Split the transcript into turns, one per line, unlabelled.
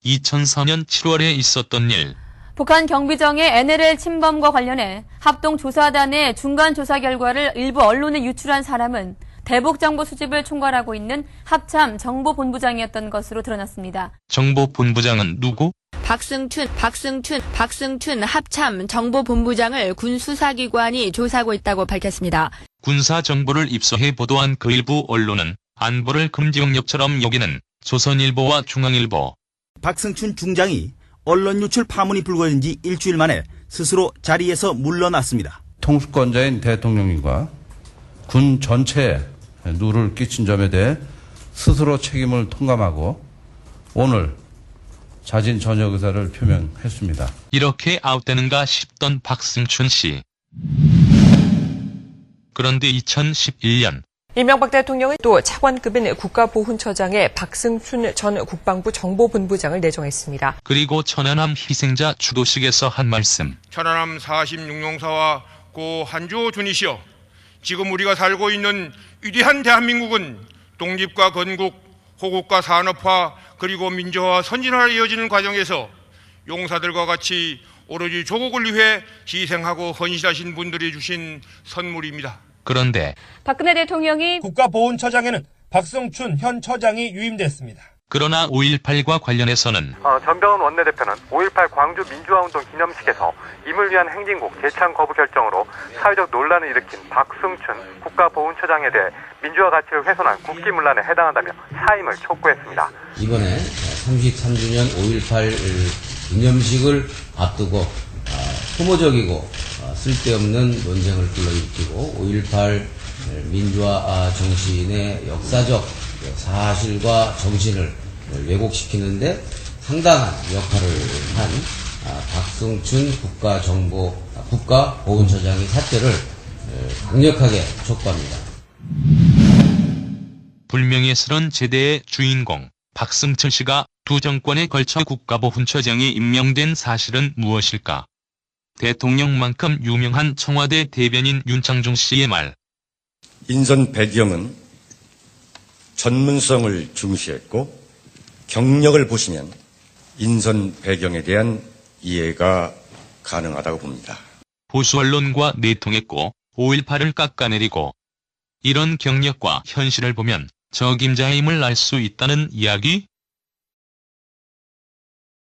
2004년 7월에 있었던 일.
북한 경비정의 NLL 침범과 관련해 합동조사단의 중간조사 결과를 일부 언론에 유출한 사람은 대북정보 수집을 총괄하고 있는 합참 정보본부장이었던 것으로 드러났습니다.
정보본부장은 누구?
박승춘 합참 정보본부장을 군수사기관이 조사하고 있다고 밝혔습니다.
군사 정보를 입수해 보도한 그 일부 언론은 안보를 금지 영역처럼 여기는 조선일보와 중앙일보.
박승춘 중장이 언론 유출 파문이 불거진 지 일주일 만에 스스로 자리에서 물러났습니다.
통수권자인 대통령님과 군 전체에 누를 끼친 점에 대해 스스로 책임을 통감하고 오늘 자진 전역 의사를 표명했습니다.
이렇게 아웃되는가 싶던 박승춘 씨. 그런데 2011년
이명박 대통령은 또 차관급인 국가보훈처장에 박승춘 전 국방부 정보본부장을 내정했습니다.
그리고 천안함 희생자 추도식에서 한 말씀.
천안함 46용사와 고 한주호 준이시여, 지금 우리가 살고 있는 위대한 대한민국은 독립과 건국, 호국과 산업화, 그리고 민주화와 선진화로 이어지는 과정에서 용사들과 같이 오로지 조국을 위해 희생하고 헌신하신 분들이 주신 선물입니다.
그런데
박근혜 대통령이
국가보훈처장에는 박승춘 현 처장이 유임됐습니다.
그러나 5.18과 관련해서는
전병헌 원내대표는 5.18 광주 민주화운동 기념식에서 임을 위한 행진곡 재창 거부 결정으로 사회적 논란을 일으킨 박승춘 국가보훈처장에 대해 민주화 가치를 훼손한 국기문란에 해당한다며 사임을 촉구했습니다.
이번에 33주년 5.18 기념식을 앞두고 소모적이고 쓸데없는 논쟁을 불러일으키고 5.18 민주화 정신의 역사적 사실과 정신을 왜곡시키는데 상당한 역할을 한 박승춘 국가보훈처장의 사퇴를 강력하게 촉구합니다.
불명예스런 제대의 주인공 박승춘 씨가 두 정권에 걸쳐 국가보훈처장에 임명된 사실은 무엇일까? 대통령만큼 유명한 청와대 대변인 윤창중 씨의 말.
인선 배경은 전문성을 중시했고 경력을 보시면 인선 배경에 대한 이해가 가능하다고 봅니다.
보수 언론과 내통했고 5.18을 깎아내리고 이런 경력과 현실을 보면 적임자임을 알 수 있다는 이야기?